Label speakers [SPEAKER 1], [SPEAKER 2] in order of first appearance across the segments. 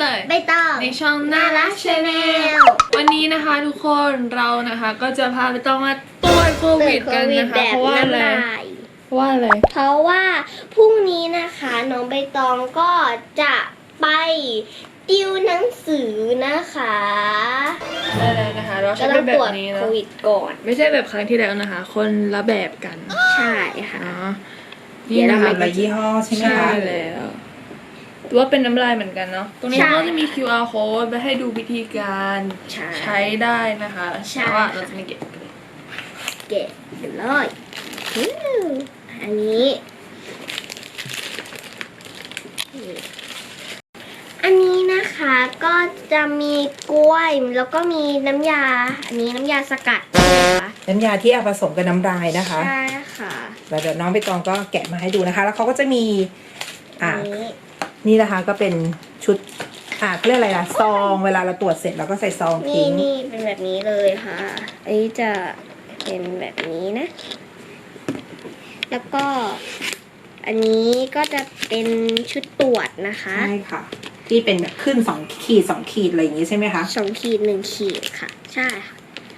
[SPEAKER 1] เตย
[SPEAKER 2] ใบตอง
[SPEAKER 1] ในช่องน่ารักชาแนลวันนี้นะคะทุกคนเรานะคะก็จะพาไปต้องมาตรวจโควิดกันนะคะเพราะว่าอะไรเพราะว่า
[SPEAKER 2] พรุ่งนี้นะคะน้องใบตองก็จะไปติวหนังสือนะคะ
[SPEAKER 1] ได้เลยนะคะเราใช้แบบนี้นะ
[SPEAKER 2] โควิดก่อน
[SPEAKER 1] ไม่ใช่แบบครั้งที่แล้วนะคะคนละแบบกัน
[SPEAKER 2] ใช่ค่ะ
[SPEAKER 1] นี่นะคะ
[SPEAKER 3] ละยี่ห้อใช่ไหมคะ
[SPEAKER 1] ใช่แล้วว่าเป็นน้ำลายเหมือนกันเนาะตรงนี้ก็จะมี QR code ไปให้ดูวิธีการใช้ได้นะคะแต่ว่าเราจะไม่เก็บกัน
[SPEAKER 2] เลยอันนี้นะคะก็จะมีกล้วยแล้วก็มีน้ำยาอันนี้น้ำยาสกัดนะคะ
[SPEAKER 3] น้ำยาที่เอาผสมกับน้ำลายนะคะ
[SPEAKER 2] ใช่ค่ะ
[SPEAKER 3] แล้วเดี๋ยวน้องใบตองก็แกะมาให้ดูนะคะแล้วเขาก็จะมีนี่นะคะก็เป็นชุดเขาเรียกอะไรล่ะซองเวลาเราตรวจเสร็จเราก็ใส่ซองทิ้ง
[SPEAKER 2] นี่เป็นแบบนี้เลยค่ะอันนี้จะเป็นแบบนี้นะแล้วก็อันนี้ก็จะเป็นชุดตรวจนะคะ
[SPEAKER 3] ใช่ค่ะที่เป็นแบบขึ้น2 ขีด2 ขีดอะไรอย่างนี้ใช่ไหมคะ
[SPEAKER 2] 2 ขีด 1 ขีดค่ะใช่ค่ะ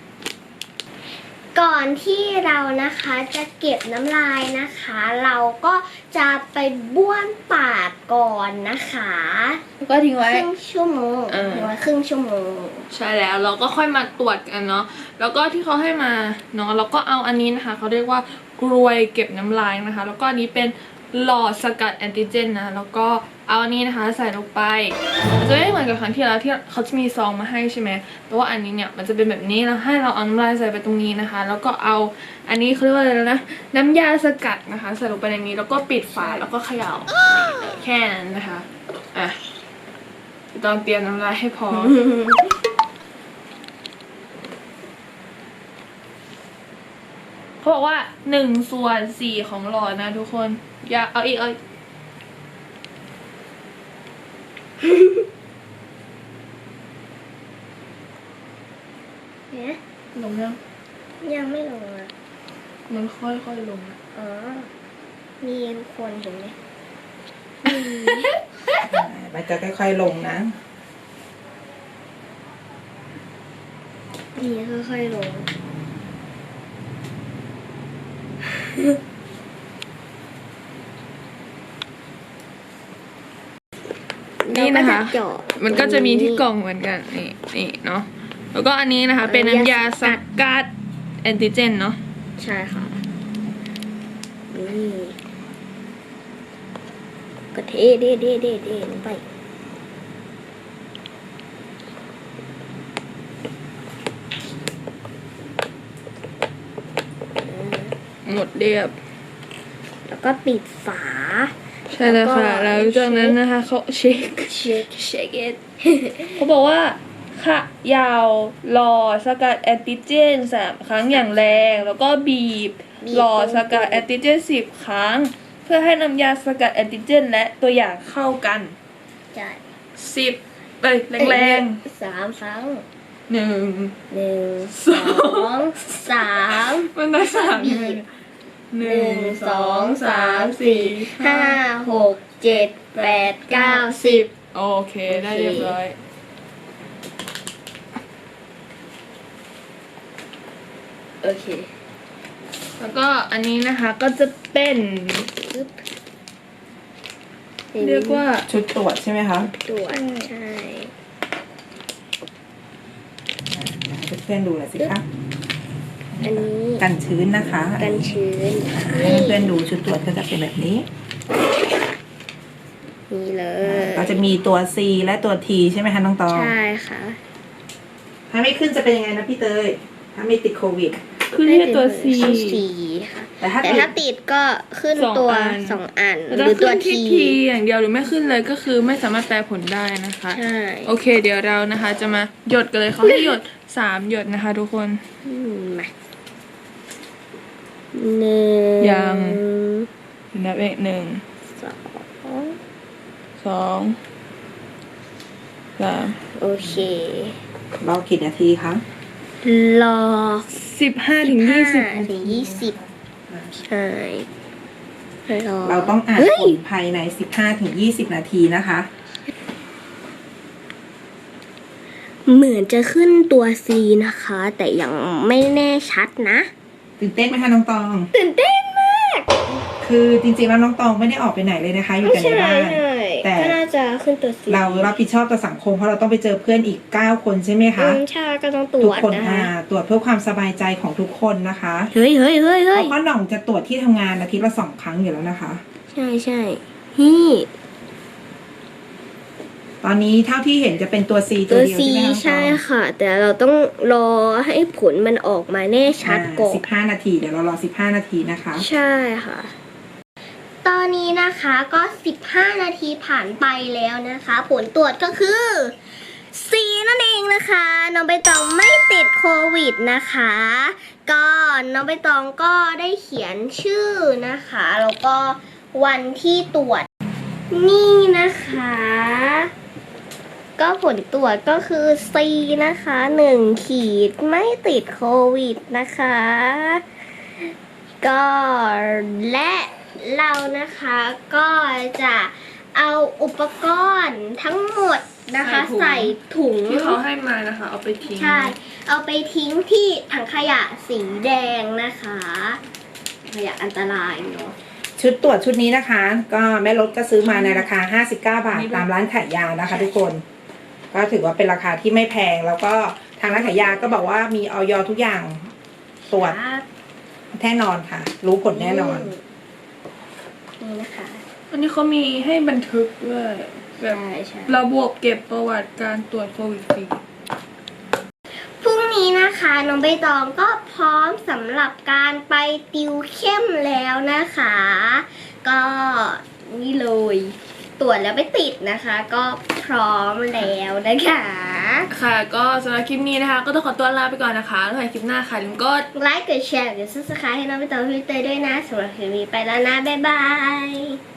[SPEAKER 2] ก่อนที่เรานะคะจะเก็บน้ำลายนะคะเราก็จะไปบ้วนปากก่อนนะคะ
[SPEAKER 1] ก็ทิ้งไว้
[SPEAKER 2] ครึ่งชั่วโมงครึ่งชั่วโมง
[SPEAKER 1] ใช่แล้วเราก็ค่อยมาตรวจกันเนาะแล้วก็ที่เขาให้มาเนาะเราก็เอาอันนี้นะคะเขาเรียกว่ากรวยเก็บน้ำลายนะคะแล้วก็อันนี้เป็นหลอดสกัดแอนติเจนนะแล้วก็เอาอันนี้นะคะใส่ลงไปจะไม่เหมือนกับครั้งที่แล้วที่เขาจะมีซองมาให้ใช่ไหมแต่ว่าอันนี้เนี่ยมันจะเป็นแบบนี้แล้วให้เราเอาน้ำลายใส่ไปตรงนี้นะคะแล้วก็เอาอันนี้เขาเรียกว่าอะไรนะน้ำยาสกัดนะคะใส่ลงไปในนี้แล้วก็ปิดฝาแล้วก็เขย่าแค่นั้นนะคะอ่ะต้องเตรียมน้ำลายให้พอเขาบอกว่า1/4ของหลอดนะทุกคนอย่าเอาอีก
[SPEAKER 2] เนี่ย
[SPEAKER 1] ลง
[SPEAKER 2] ยังไม่ลงอ่ะ
[SPEAKER 1] มันค่อยๆลงอ่ะ
[SPEAKER 2] มีทุกคนเห็นไหม
[SPEAKER 3] มันจะค่อยๆลงนะ
[SPEAKER 2] นี่ค่อยๆลง
[SPEAKER 1] นี่นะคะมันก็จะมีที่กล่องเหมือนกันนี่เนาะแล้วก็อันนี้นะคะเป็นน้ำยาสกัดแอนติเจนเนาะ
[SPEAKER 2] ใช่ค่ะนี่ก็เทลงไป
[SPEAKER 1] หมดเรียบ
[SPEAKER 2] แล้วก็ปิดฝา
[SPEAKER 1] ใช่แล้วค่ะแล้วจากนั้นนะคะเขาเช็คit เขาบอกว่าค่ะยาวหลอดสกัดแอนติเจน3 ครั้งอย่างแรงแล้วก็บีบหลอดสกัดแอนติเจน10 ครั้งเพื่อให้น้ำยาสกัดแอนติเจนและตัวอย่างเข้ากัน
[SPEAKER 2] ใช่
[SPEAKER 1] 10ไปแรง
[SPEAKER 2] 3 ครั้ง
[SPEAKER 1] 1
[SPEAKER 2] 2 3
[SPEAKER 1] มันได้3ยังไง1 2 3 4
[SPEAKER 2] 5 6 7 8 9 10
[SPEAKER 1] โอเคได้เรียบร้อย
[SPEAKER 2] โอเค
[SPEAKER 1] แล้วก็อันนี้นะคะก็จะเป็นเรียกว่า
[SPEAKER 3] ชุดตรวจใช่ไหมคะ
[SPEAKER 2] ตรวจใช่
[SPEAKER 3] เพื่อนๆดูหน่อยสิคะ
[SPEAKER 2] อันนี้
[SPEAKER 3] กันชื้นนะคะ
[SPEAKER 2] กันชื้น
[SPEAKER 3] ให้เพื่อนๆดูชุดตรวจก็จะเป็นแบบนี้
[SPEAKER 2] นี่เลย
[SPEAKER 3] ก็จะมีตัว C และตัว T ใช่ไหมคะน้องตอง
[SPEAKER 2] ใช่ค่ะ
[SPEAKER 3] ถ้าไม่ขึ้นจะเป็นยังไงนะพี่เตยถ้าไม่ติดโควิด
[SPEAKER 1] ขึ้นแค่ตัว C
[SPEAKER 2] ค่ะแต่ถ้าติดก็ขึ้นตัว2 อัน
[SPEAKER 1] หรือตัว T อย่างเดียวหรือไม่ขึ้นเลยก็คือไม่สามารถแปลผลได้นะคะ
[SPEAKER 2] ใช่
[SPEAKER 1] โอเคเดี๋ยวเรานะคะจะมาหยดกันเลยเขาให้หยด3 หยดนะคะทุกคน
[SPEAKER 2] มา1
[SPEAKER 1] ยังนับเอง1 2 3
[SPEAKER 2] โอเค
[SPEAKER 3] รอกี่นาทีคะ
[SPEAKER 2] รอ
[SPEAKER 1] 15 ถึง
[SPEAKER 2] 20ใช่รอ
[SPEAKER 3] เราต้องอ่านผลภายใน15 ถึง 20 นาทีนะคะ โอเคเดี๋ยวเราจะมาหยดกันเลยเขาให้หยด3 หยดนะคะ แล้วก็เอาอันนี้
[SPEAKER 2] เหมือนจะขึ้นตัว C นะคะ แต่ยังไม่แน่ชัดนะ
[SPEAKER 3] ตื่นเต้นไหมคะน้องตอง
[SPEAKER 2] ตื่นเต้นมาก
[SPEAKER 3] คือจริงๆแล้วน้องตองไม่ได้ออกไปไหนเลยนะคะ อยู่แต่ในบ้าน แต่
[SPEAKER 2] ก็น่าจะขึ้นตัว C
[SPEAKER 3] เรารับผิดชอบต่อสังคมเพราะเราต้องไปเจอเพื่อนอีก 9 คนใช่ไหมคะ
[SPEAKER 2] ใช่ก็ต้องตร
[SPEAKER 3] ทุก
[SPEAKER 2] วจ
[SPEAKER 3] คน
[SPEAKER 2] นะคะ
[SPEAKER 3] ตรวจเพื่อความสบายใจของทุกคนนะคะ
[SPEAKER 2] เฮ้ย
[SPEAKER 3] เพราะพ่อหน่องจะตรวจที่ทำงานอาทิตย์ละ 2 ครั้งอยู่แล้วนะคะ
[SPEAKER 2] ใช่นี่
[SPEAKER 3] ตอนนี้เท่าที่เห็นจะเป็นตัว C ตั
[SPEAKER 2] ตัว ว
[SPEAKER 3] เดียว
[SPEAKER 2] C
[SPEAKER 3] ใช่ไหมคะน้องตอง
[SPEAKER 2] ใช่ค่ะ แต่เราต้องรอให้ผลมันออกมาแน่ชัดก่อน
[SPEAKER 3] 15 นาทีเดี๋ยวเรารอ 15 นาทีนะคะ
[SPEAKER 2] ใช่ค่ะ ตอนนี้นะคะก็ 15 นาทีผ่านไปแล้วนะคะ ผลตรวจก็คือ C นั่นเองนะคะ น้องใบตองไม่ติดโควิดนะคะ ก็น้องใบตองก็ได้เขียนชื่อนะคะ แล้วก็วันที่ตรวจ นี่นะคะ ก็ผลตรวจก็คือ C นะคะ1 ขีดไม่ติดโควิดนะคะ ก็และเรานะคะก็จะเอาอุปกรณ์ทั้งหมดนะคะ
[SPEAKER 1] ใส่
[SPEAKER 2] ใส่ถุง
[SPEAKER 1] ที่เขาให้มานะคะ เอาไปทิ้ง
[SPEAKER 2] ใช่ เอาไปทิ้งที่ถังขยะสีแดงนะคะขยะอันตรายเนาะ
[SPEAKER 3] ชุดตรวจชุดนี้นะคะ ก็แม่รถก็ซื้อมาในราคา 59 บาทตามร้านขายยานะคะ ทุกคน ก็ถือว่าเป็นราคาที่ไม่แพง แล้วก็ทางร้านขายยาก็บอกว่ามีออยทุกอย่างตรวจแน่นอนค่ะ รู้ผลแน่นอน
[SPEAKER 2] นี่นะคะ
[SPEAKER 1] อันนี้เขามีให้บันทึกด้วยแบบ
[SPEAKER 2] ใช่
[SPEAKER 1] ระบบเก็บประวัติการตรวจโควิดฟรี
[SPEAKER 2] พรุ่งนี้นะคะน้องใบตองก็พร้อมสำหรับการไปติวเข้มแล้วนะคะ ก็นี่เลยตรวจแล้วไม่ติดนะคะ ก็พร้อมแล้วนะคะ
[SPEAKER 1] ค่ะก็สำหรับคลิปนี้นะคะ ก็ต้องขอตัวลาไปก่อนนะคะแล้วไว้คลิปหน้าค่ะลืมกด
[SPEAKER 2] ไลค์กดแชร์กด subscribe ให้น้องใบตองพี่เตยด้วยนะสำหรับคลิปนี้ไปแล้วนะบ๊ายบาย